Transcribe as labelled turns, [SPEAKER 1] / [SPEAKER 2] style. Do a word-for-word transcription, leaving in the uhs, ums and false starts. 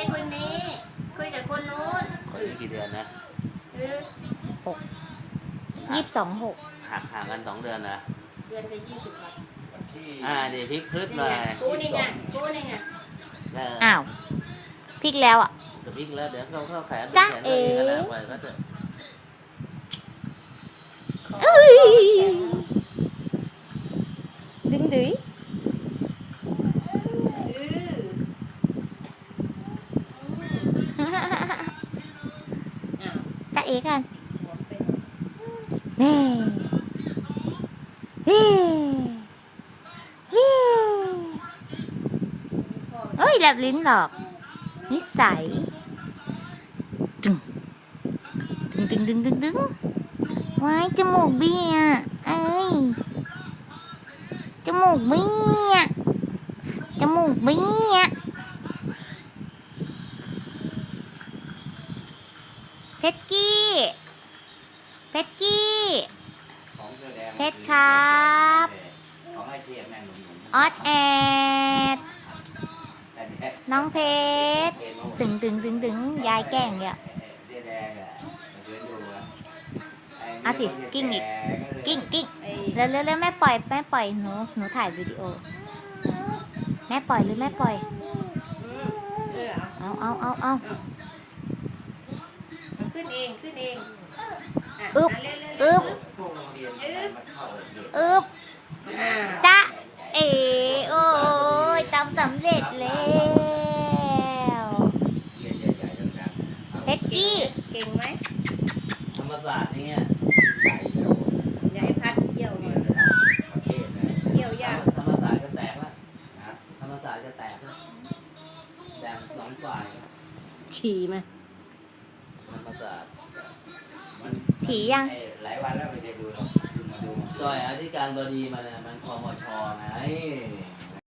[SPEAKER 1] คนนี้คุยกับคนนู้น
[SPEAKER 2] คนนี้กี่เดือนนะ
[SPEAKER 1] เออ
[SPEAKER 3] หกยี่สิบสองหก
[SPEAKER 2] ห่างห่างกันสองเดือนนะ
[SPEAKER 1] เดือนละยี่สิบวัน
[SPEAKER 2] อ่าเดี๋ยวพลิกพลึดหน่อย
[SPEAKER 1] กูนี่ไงกูนี่ไง
[SPEAKER 3] อ้าวพลิกแล้วอ่ะ
[SPEAKER 2] เดี๋ยวพลิกแล้วเดี๋ยวเขาเข้าแขน
[SPEAKER 3] จ๊ะ
[SPEAKER 2] แขน
[SPEAKER 3] เอ๋
[SPEAKER 2] ก็แล้วไปก็จะ
[SPEAKER 3] ดึงดื้อจ๊ะเอ๋กันเน่เฮ้เฮ้เฮ้ยแลบลิ้นหรอกนิสัยดึงดึงดึงดึงดึงดึงว้ายจมูกเบี้ยเอ้ยจมูกเบี้ยจมูกเบี้ยเพชรกี้เพชรกี้เพชรครับออดแอดน้องเพชรตึงตึงตึงตึงยายแกล้งเนี่ยอ่ะสิกิ้งอีกกิ้งกิ้งแล้วแล้วแล้วแม่ปล่อยแม่ปล่อยหนูหนูถ่ายวิดีโอแม่ปล่อยหรือแม่ปล่อยเอาเอาเอาเอา
[SPEAKER 1] ขึ้นเองขึ้นเอง
[SPEAKER 3] อึบอึบอึบจ๊ะเอโอ้ยทำสำเร็จแล้วเพชรกี้
[SPEAKER 1] เก่งไหม
[SPEAKER 2] ธรรมศาสตร์นี่
[SPEAKER 1] ยายพัดเยี่ยวเนี่ยเยี่ยวยาก
[SPEAKER 2] ธรรมศาสตร์จะแตกแล้วธรรมศาสตร์จะแตกแล้วแตกสองฝ่าย
[SPEAKER 1] ฉี่ไหม
[SPEAKER 2] ธรรมศาสตร์
[SPEAKER 3] ฉี่ยัง
[SPEAKER 2] หลายวันแล้วไม่ได้ดูหรอกมาดูจอยอธิการบดีมาเนี่ยมันคมชไง